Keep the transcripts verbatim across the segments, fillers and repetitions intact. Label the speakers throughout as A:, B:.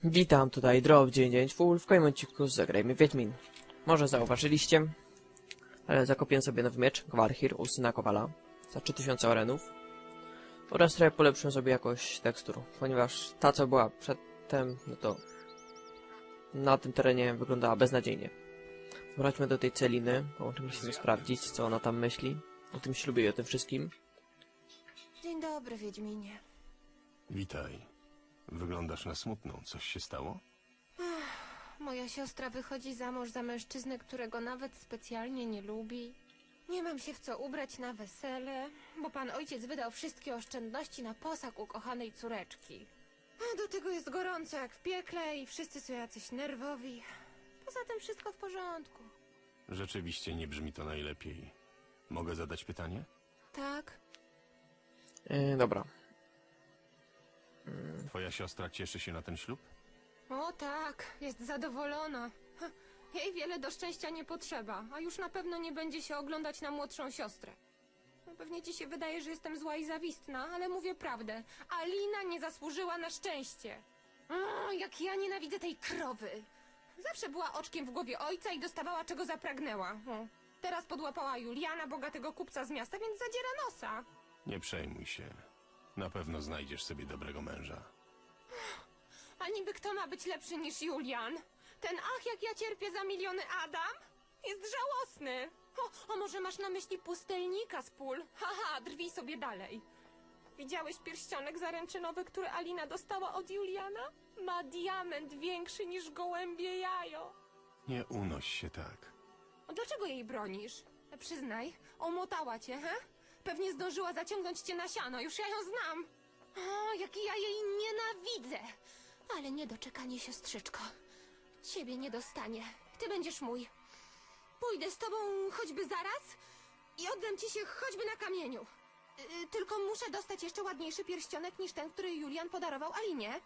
A: Witam, tutaj Drop dziewięćset dziewięćdziesiąt Full. W kolejnym odcinku zagrajmy Wiedźmin. Może zauważyliście, ale zakopiłem sobie nowy miecz, Gwarhir, u syna Kowala, za trzy tysiące orenów. Oraz trochę polepszyłem sobie jakość tekstur, ponieważ ta, co była przedtem, no to na tym terenie wyglądała beznadziejnie. Wróćmy do tej Celiny, bo musimy sprawdzić, co ona tam myśli o tym ślubie i o tym wszystkim.
B: Dzień dobry, Wiedźminie.
C: Witaj. Wyglądasz na smutną. Coś się stało?
B: Ach, moja siostra wychodzi za mąż za mężczyznę, którego nawet specjalnie nie lubi. Nie mam się w co ubrać na wesele, bo pan ojciec wydał wszystkie oszczędności na posag ukochanej córeczki. A do tego jest gorąco jak w piekle i wszyscy są jacyś nerwowi. Poza tym wszystko w porządku.
C: Rzeczywiście nie brzmi to najlepiej. Mogę zadać pytanie?
B: Tak?
A: Yy, dobra.
C: Twoja siostra cieszy się na ten ślub?
B: O tak, jest zadowolona. Ha, jej wiele do szczęścia nie potrzeba, a już na pewno nie będzie się oglądać na młodszą siostrę. No, pewnie ci się wydaje, że jestem zła i zawistna, ale mówię prawdę. Alina nie zasłużyła na szczęście. O, jak ja nienawidzę tej krowy. Zawsze była oczkiem w głowie ojca i dostawała czego zapragnęła. O, teraz podłapała Juliana, bogatego kupca z miasta, więc zadziera nosa.
C: Nie przejmuj się. Na pewno znajdziesz sobie dobrego męża.
B: A niby kto ma być lepszy niż Julian? Ten ach, jak ja cierpię za miliony Adam? Jest żałosny. O, o może masz na myśli pustelnika z pól? Haha, drwij sobie dalej. Widziałeś pierścionek zaręczynowy, który Alina dostała od Juliana? Ma diament większy niż gołębie jajo.
C: Nie unoś się tak.
B: A dlaczego jej bronisz? Przyznaj, omotała cię, he? Pewnie zdążyła zaciągnąć cię na siano, już ja ją znam. O, jak ja jej nienawidzę. Ale niedoczekanie, siostrzyczko. Ciebie nie dostanie. Ty będziesz mój. Pójdę z tobą choćby zaraz i oddam ci się choćby na kamieniu. Yy, tylko muszę dostać jeszcze ładniejszy pierścionek niż ten, który Julian podarował Alinie.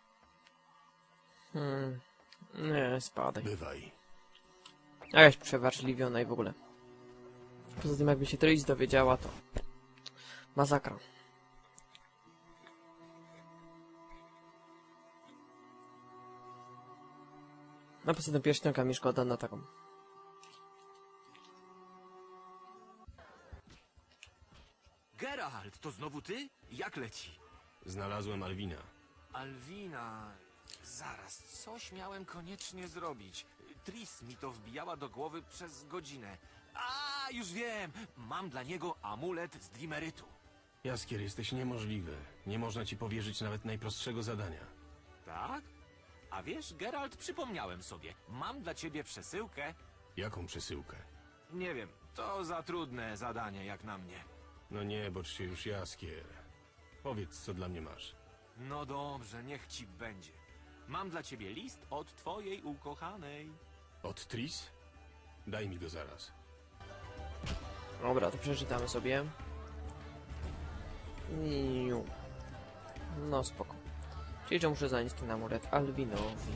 A: Hmm. Nie, spadaj.
C: Bywaj.
A: Jakaś przeważliwiona i w ogóle. Poza tym, jakby się Tris dowiedziała, to masakra. No poza tym pierścionka mi szkoda na taką.
D: Geralt, to znowu ty? Jak leci?
C: Znalazłem Alwina.
D: Alwina... Zaraz, coś miałem koniecznie zrobić. Tris mi to wbijała do głowy przez godzinę. A, już wiem! Mam dla niego amulet z Dimerytu.
C: Jaskier, jesteś niemożliwy. Nie można ci powierzyć nawet najprostszego zadania.
D: Tak? A wiesz, Geralt, przypomniałem sobie. Mam dla ciebie przesyłkę.
C: Jaką przesyłkę?
D: Nie wiem, to za trudne zadanie jak na mnie.
C: No nie, bocz się już, Jaskier. Powiedz, co dla mnie masz.
D: No dobrze, niech ci będzie. Mam dla ciebie list od twojej ukochanej.
C: Od Tris? Daj mi go zaraz.
A: Dobra, to przeczytamy sobie. Niu. No spoko. Czyli, że muszę zanieść ten amulet Alwinowi.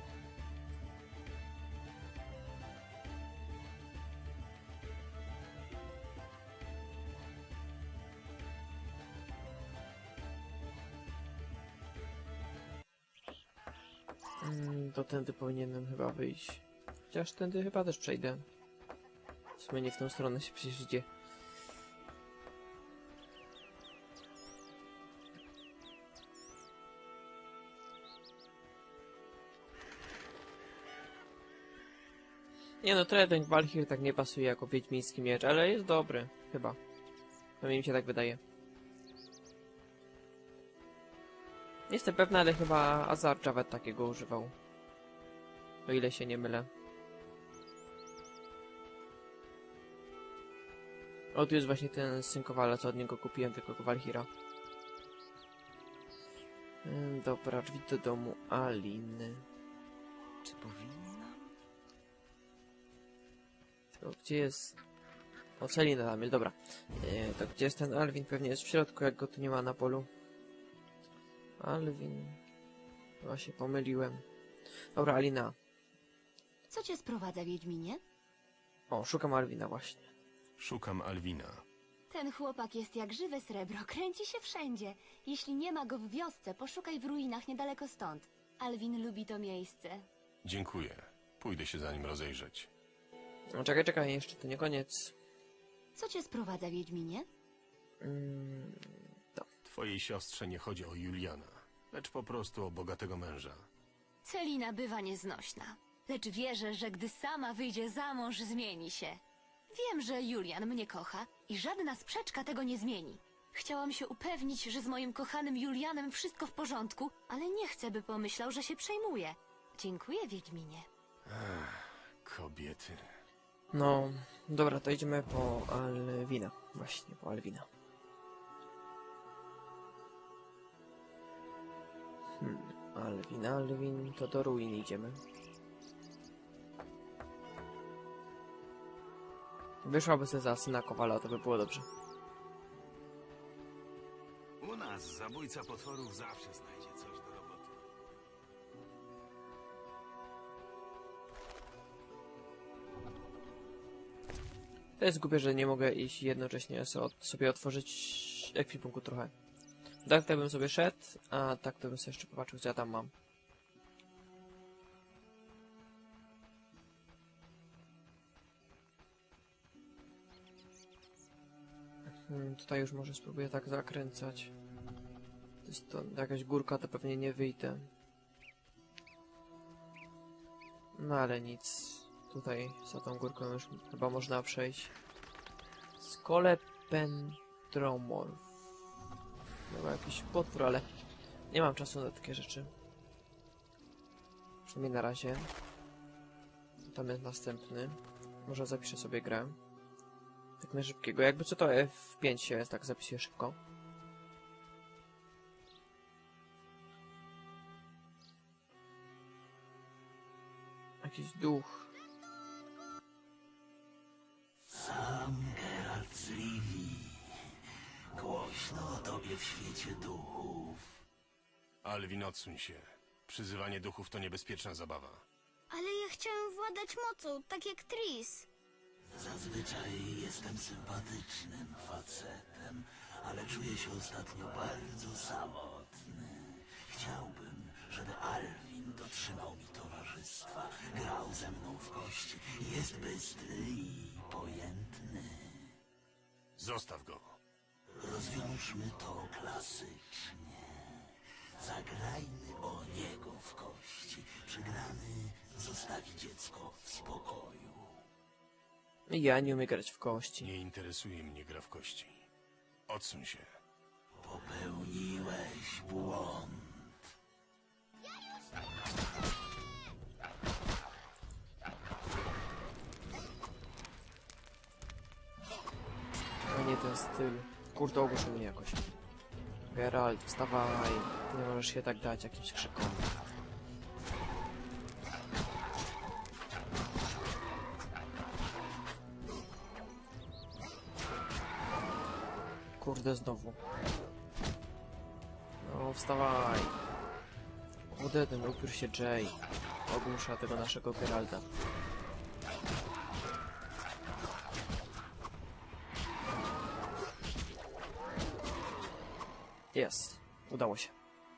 A: Mm, to tędy powinienem chyba wyjść. Chociaż tędy chyba też przejdę. W sumie nie w tą stronę się przecież idzie. Nie no, trochę ten Gwarhir tak nie pasuje jako wiedźmiński miecz, ale jest dobry, chyba. Przynajmniej mi się tak wydaje. Nie jestem pewna, ale chyba Azar Javed takiego używał. O ile się nie mylę. O, tu jest właśnie ten syn Kowala, co od niego kupiłem, tego Gwarhira. Ym, dobra, drzwi do domu Aliny.
D: Czy powinnam?
A: To gdzie jest... O, Celina tam jest, dobra. Yy, to gdzie jest ten Alwin? Pewnie jest w środku, jak go tu nie ma na polu. Alwin... Chyba się pomyliłem. Dobra, Alina.
E: Co cię sprowadza, Wiedźminie?
A: O, szukam Alwina właśnie.
C: Szukam Alwina.
E: Ten chłopak jest jak żywe srebro, kręci się wszędzie. Jeśli nie ma go w wiosce, poszukaj w ruinach niedaleko stąd. Alwin lubi to miejsce.
C: Dziękuję. Pójdę się za nim rozejrzeć.
A: No, czekaj, czekaj, jeszcze to nie koniec.
E: Co cię sprowadza, Wiedźminie?
A: Mm,
C: Twojej siostrze nie chodzi o Juliana, lecz po prostu o bogatego męża.
E: Celina bywa nieznośna, lecz wierzę, że gdy sama wyjdzie za mąż, zmieni się. Wiem, że Julian mnie kocha i żadna sprzeczka tego nie zmieni. Chciałam się upewnić, że z moim kochanym Julianem wszystko w porządku, ale nie chcę, by pomyślał, że się przejmuje. Dziękuję, Wiedźminie.
C: Kobiety.
A: no, dobra, to idziemy po Alwina. Właśnie, po Alwina. Hmm, Alwin, Alwin, to do ruin idziemy. Wyszłaby sobie za syna Kowala, to by było dobrze.
C: U nas zabójca potworów zawsze znajdzie coś do roboty.
A: To jest głupie, że nie mogę iść jednocześnie so- sobie otworzyć ekwipunku trochę. Tak to bym sobie szedł, a tak to bym sobie jeszcze popatrzył, co ja tam mam. Hmm, tutaj już może spróbuję tak zakręcać. To jest to jakaś górka, to pewnie nie wyjdę. No ale nic. Tutaj za tą górką już chyba można przejść. Skolependromorf. Chyba jakiś potwór, ale nie mam czasu na takie rzeczy. Przynajmniej na razie. Tam jest następny. Może zapiszę sobie grę. Tak na szybkiego. Jakby co to F pięć się tak zapisuje szybko. Jakiś duch.
F: Sam Geralt z Rivii. Głośno o tobie w świecie duchów.
C: Alwin, odsuń się. Przyzywanie duchów to niebezpieczna zabawa.
G: Ale ja chciałem władać mocą, tak jak Tris.
F: Zazwyczaj jestem sympatycznym facetem, ale czuję się ostatnio bardzo samotny. Chciałbym, żeby Alwin dotrzymał mi towarzystwa, grał ze mną w kości. Jest bystry i pojętny.
C: Zostaw go.
F: Rozwiążmy to klasycznie. Zagrajmy o niego w kości. Przegrany zostawi dziecko w spokoju.
A: Ja nie umiem grać w kości.
C: Nie interesuje mnie gra w kości. Odsuń się.
F: Popełniłeś błąd.
A: A nie ten styl. Kurde, ogłuszył mnie jakoś. Geralt, wstawaj. Nie możesz się tak dać jakimś krzykom. Kurde, znowu. No, wstawaj. Kurde, ten upiór się Jay. Ogłusza tego naszego Geralta. Jest. Udało się.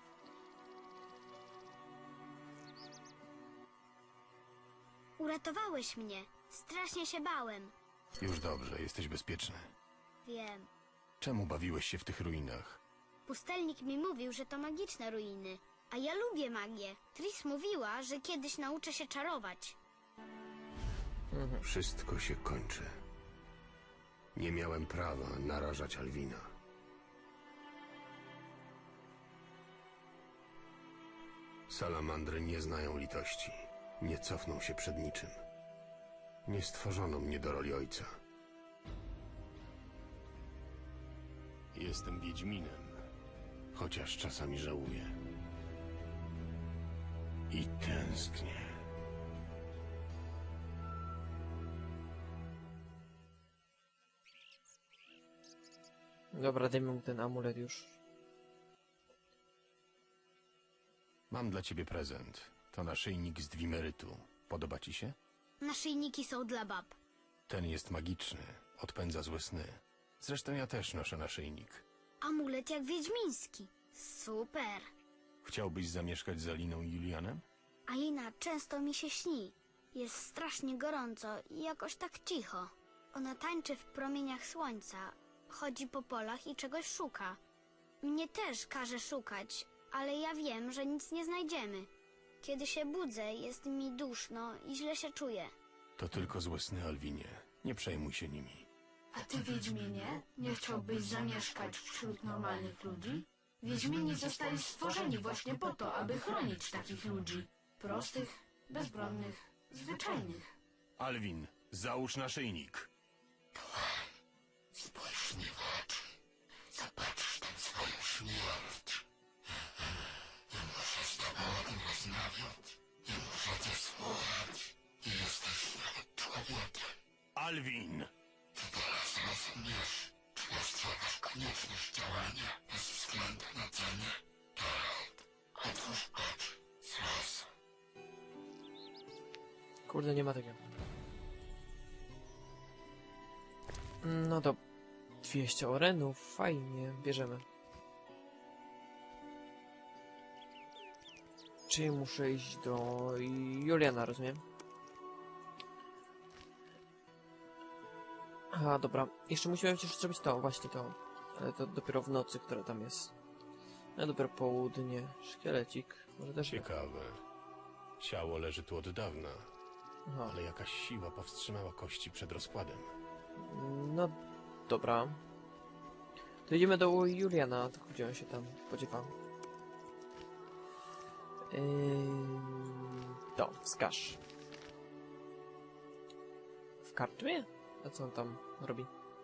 G: Uratowałeś mnie. Strasznie się bałem.
C: Już dobrze, jesteś bezpieczny.
G: Wiem.
C: Czemu bawiłeś się w tych ruinach?
G: Pustelnik mi mówił, że to magiczne ruiny. A ja lubię magię. Tris mówiła, że kiedyś nauczę się czarować.
C: Wszystko się kończy. Nie miałem prawa narażać Alwina. Salamandry nie znają litości. Nie cofną się przed niczym. Nie stworzono mnie do roli ojca. Jestem Wiedźminem, chociaż czasami żałuję. I tęsknię.
A: Dobra, dajmy mu ten amulet już.
C: Mam dla ciebie prezent. To naszyjnik z dwimerytu. Podoba ci się?
G: Naszyjniki są dla bab.
C: Ten jest magiczny. Odpędza złe sny. Zresztą ja też noszę naszyjnik.
G: Amulet jak wiedźmiński. Super.
C: Chciałbyś zamieszkać z Aliną i Julianem?
G: Alina często mi się śni. Jest strasznie gorąco i jakoś tak cicho. Ona tańczy w promieniach słońca, chodzi po polach i czegoś szuka. Mnie też każe szukać, ale ja wiem, że nic nie znajdziemy. Kiedy się budzę, jest mi duszno i źle się czuję.
C: To tylko złe sny, Alwinie. Nie przejmuj się nimi.
H: A ty, Wiedźminie, nie chciałbyś zamieszkać wśród normalnych ludzi? Wiedźmini zostali stworzeni właśnie po to, aby chronić takich ludzi. Prostych, bezbronnych, zwyczajnych.
C: Alwin, załóż naszyjnik.
F: Spójrz mi w oczy. Zobaczysz tam swoją śmierć. Nie muszę z tobą o tym rozmawiać. Nie muszę cię słuchać. Nie jesteś nawet człowiekiem.
C: Alwin!
F: Ty teraz rozumiesz, czy dostrzegasz konieczność działania bez względu na cenę? Geralt, otwórz oczy. Zrozum.
A: Kurde, nie ma takiego. No to dwieście orenów, fajnie, bierzemy. Czyli muszę iść do Juliana, rozumiem? A, dobra. Jeszcze musimy przecież zrobić to, właśnie to. Ale to dopiero w nocy, która tam jest. No dopiero południe. Szkielecik. Może też...
C: Ciekawe. Ciało leży tu od dawna,
A: Aha.
C: ale jakaś siła powstrzymała kości przed rozkładem.
A: No, dobra. To idziemy do Juliana, tylko gdzie on się tam podziewa. Yy... To, wskaż. W karczmie? A co on tam robi?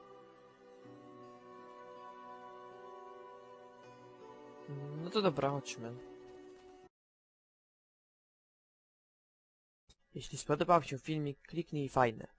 A: No to dobra, chodźmy. Jeśli spodobał się filmik, kliknij fajne.